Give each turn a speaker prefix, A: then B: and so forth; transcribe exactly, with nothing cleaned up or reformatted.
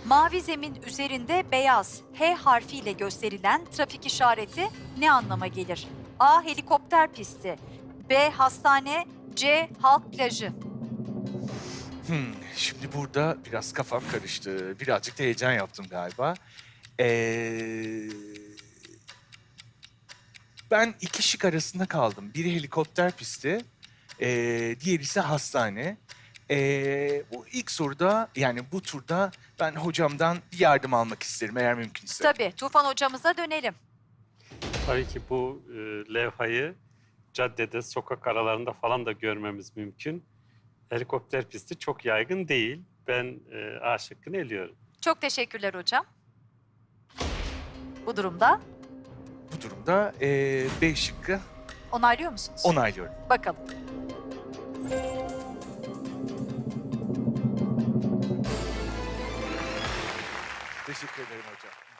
A: Mavi zemin üzerinde beyaz H harfiyle gösterilen trafik işareti ne anlama gelir? A. Helikopter pisti. B. Hastane. C. Halk plajı.
B: Hmm, şimdi burada biraz kafam karıştı. Birazcık da heyecan yaptım galiba. Ee, ben iki şık arasında kaldım. Biri helikopter pisti, ee, diğeri ise hastane. Ee, bu ilk soruda, yani bu turda ben hocamdan bir yardım almak isterim eğer mümkünse.
A: Tabii, Tufan hocamıza dönelim.
C: Tabii ki bu e, levhayı caddede, sokak aralarında falan da görmemiz mümkün. Helikopter pisti çok yaygın değil. Ben e, A şıkkını eliyorum.
A: Çok teşekkürler hocam. Bu durumda
B: Bu durumda ee, B şıkkı
A: onaylıyor musunuz?
B: onaylıyorum.
A: Bakalım.
B: Teşekkür ederim hocam.